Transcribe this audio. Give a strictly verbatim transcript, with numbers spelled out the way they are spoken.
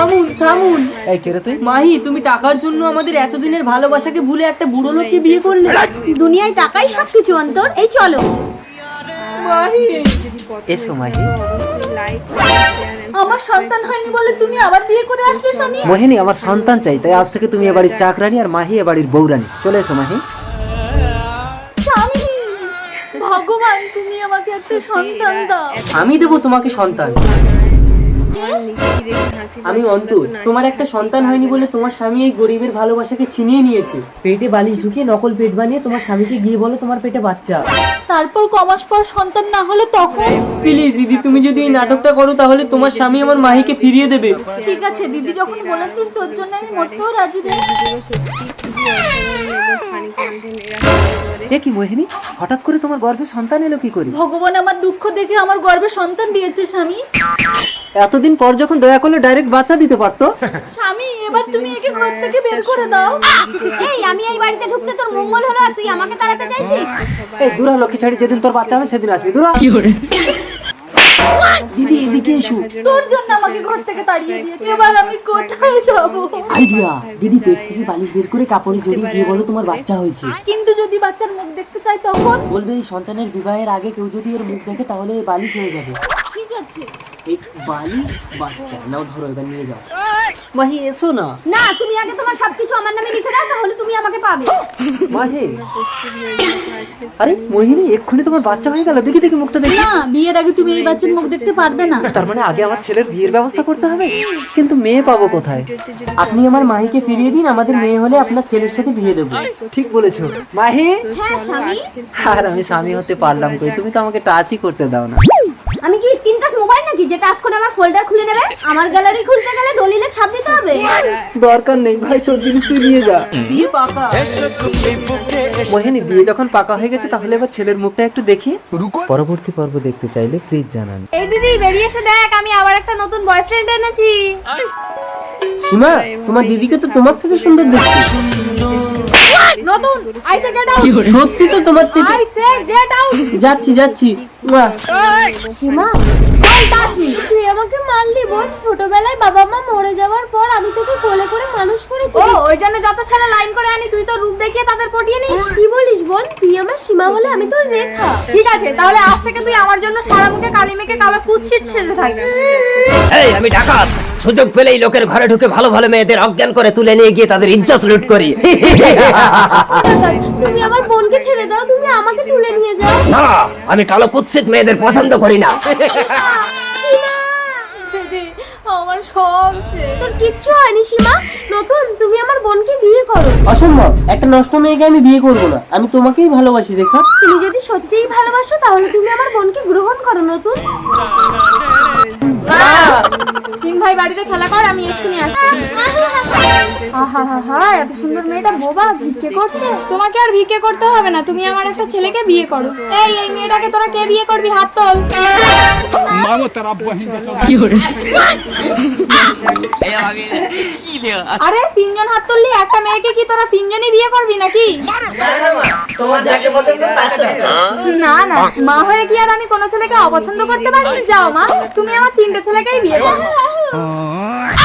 থামুন থামুন। এই কে রে তুই? মাহি, তুমি টাকার জন্য আমাদের এতদিনের ভালোবাসাকে ভুলে একটা বুড়ো লোককে বিয়ে করলে। দুনিয়ায় টাকাই সবকিছু অন্তর। এই চলো। মাহি, এসো মাহি। আমার সন্তান হয়নি বলে তুমি আবার বিয়ে করে আসলে স্বামী? মোহিনী, আমার সন্তান চাই, তাই আজ থেকে তুমি এ বাড়ির চাকরানি আর মাহি এ বাড়ির বউরানি। চলে এসো মাহি। স্বামী, ভগবান তুমি আমাকে একটা সন্তান দাও। আমি দেবো তোমাকে সন্তান। আমি অন্তর, তোমার একটা সন্তান হয়নি বলে তোমার স্বামী এই গরিবের ভালোবাসাকে ছিনিয়ে নিয়েছে। পেটে বালিশ ঢুকিয়ে নকল পেট বানিয়ে তোমার স্বামীকে গিয়ে বলো তোমার পেটে বাচ্চা। তারপর কমাস পর সন্তান না হলে তখন? প্লিজ দিদি, তুমি যদি এই নাটকটা করো তাহলে তোমার স্বামী আমার মাহিকে ফিরিয়ে দেবে। ঠিক আছে দিদি, যখন বলেছিস তোর জন্য আমি মরতেও রাজি রে। এ কি মোহিনী, হঠাৎ করে তোমার গর্ভে সন্তান এলো কি করে? ভগবান আমার দুঃখ দেখে আমার গর্ভে সন্তান দিয়েছে স্বামী। এতদিন পর যখন দয়া করলে ডাইরেক্ট বাচ্চা দিতে পারতো। স্বামী, এবার তুমি একে ঘর থেকে বের করে দাও। এই, আমি এই বাড়িতে ঢুকতে তোর মঙ্গল হলো আর তুই আমাকে তাড়াতে চাইছিস? এই দূরা লক্ষ্মী ছাড়ি, যেদিন তোর বাচ্চা হবে সেদিন আসবি। দূরা। দিদি এদিকে এসো। তোর জন্য আমাকে ঘর থেকে তাড়িয়ে দিয়েছে, এবার আমি কোথায় যাব? আইডিয়া, দিদি পেট থেকে বালিশ বের করে কাপড়ে জড়িয়ে গিয়ে বলো তোমার বাচ্চা হয়েছে। কিন্তু যদি বাচ্চার মুখ দেখতে চাই তখন? বলবে এই সন্তানের বিবাহের আগে কেউ যদি এর মুখ দেখে তাহলে এই বালিশ হয়ে যাবে। ঠিক আছে। এই বালিশ বাচ্চা নাও, ধরো এবার নিয়ে যাও। মাহি এসো না। না, তুমি আগে তোমার সবকিছু আমার নামে লিখে দাও, তাহলে তুমি আমাকে পাবে। মাহি, আরে মোহিনী, এক্ষুনি তোমার বাচ্চা হয়ে গেল। দেখি দেখি মুখটা দেখি। না, বিয়ের আগে তুমি এই বাচ্চার মুখ দেখতে পারবে না। তার মানে আগে আমার ছেলের বিয়ের ব্যবস্থা করতে হবে। কিন্তু মেয়ে পাবো কোথায়? আপনি আমার মাহিকে ফিরিয়ে দিন, আমাদের মেয়ে হলে আপনার ছেলের সাথে বিয়ে দেবো। ঠিক বলেছো মাহি। হ্যাঁ স্বামী। আর আমি স্বামী হতে পারলাম কই? তুমি তো আমাকে টাচই করতে দাও না। আমি কি স্ক্রিন টাচ মোবাইল নাকি যে টাচ করে আমার ফোল্ডার খুলে নেবে? আমার গ্যালারি খুলতে গেলে দলিলে ছাপ দিতে হবে। দরকার নেই ভাই, তোর জিনিস তুই নিয়ে যা। বিয়ে পাকা। মোহিনী, বিয়ে যখন পাকা হয়ে গেছে তাহলে এবার ছেলের মুখটা একটু দেখি। পরবর্তী পর্ব দেখতে চাইলে প্লিজ জানান। এই দিদি, বেরিয়ে এসে দেখ, আমি আবার একটা নতুন বয়ফ্রেন্ড এনেছি। সীমা, তোমার দিদিকে তো তোমার থেকে সুন্দর দেখতে। নতুন আই সে গেট আউট। সত্যি তো তোমার থেকে। I say get out. যাচ্ছি যাচ্ছি। Seema, don't touch me. তুই আমাকে মারলি বোন। ছোটবেলায় বাবা মা মরে যাওয়ার পর আমি তোকে কোলে করে মানুষ করেছি। ও, ওই জন্য যত ছেলে লাইন করে আনি তুই তো রূপ দেখিয়ে তাদের পটিয়ে নিস। কি বলিস বোন? তুই আমার সীমা হলে আমি তোর রেখা। ঠিক আছে, তাহলে আজ থেকে তুই আমার জন্য সারা মুখে কালি মেখে কালো কুৎসিত ছেলে থাকবি। এই আমি ডাকাত, সুযোগ পেলেই লোকের ঘরে ঢুকে ভালো ভালো মেয়েদের অজ্ঞান করে তুলে নিয়ে গিয়ে তাদের ইজ্জত লুট করি। তুমি আমার বোনকে ছেড়ে দাও, তুমি আমাকে তুলে নিয়ে যাও। না, আমি কালো কুৎসিত মেয়েদের পছন্দ করি না। দিদি, আমার সব শেষ। তোর কিচ্ছু হয়নি সীমা। নতুন, তুমি আমার বোনকে বিয়ে করো। অসম্ভব, একটা নষ্ট মেয়েকে আমি বিয়ে করবো না। আমি তোমাকেই ভালোবাসি রেখা। তুমি যদি সত্যিই ভালোবাসো তাহলে তুমি আমার বোনকে গ্রহণ করো নতুন। তিন ভাই বাড়িতে খেলা কর, আমি এক্ষুনি আসছি। আহা হা হা, এত সুন্দর মেয়েটা বোবা ভিক্ষে করছে। তোমাকে আর ভিক্ষে করতে হবে না, তুমি আমার একটা ছেলেকে বিয়ে করো। এই এই মেয়েটাকে তোরা কে বিয়ে করবি? হাত তোল। আরে তিনজন হাত তুললি, একটা মেয়েকে কি তোরা তিনজনই বিয়ে করবি নাকি? তোমার যাকে পছন্দ তার সাথে। না না, মা হয়ে কি আর আমি কোনো ছেলেকে অপছন্দ করতে পারি? যাও মা, তুমি আমার তিনটে ছেলেকেই বিয়ে করো।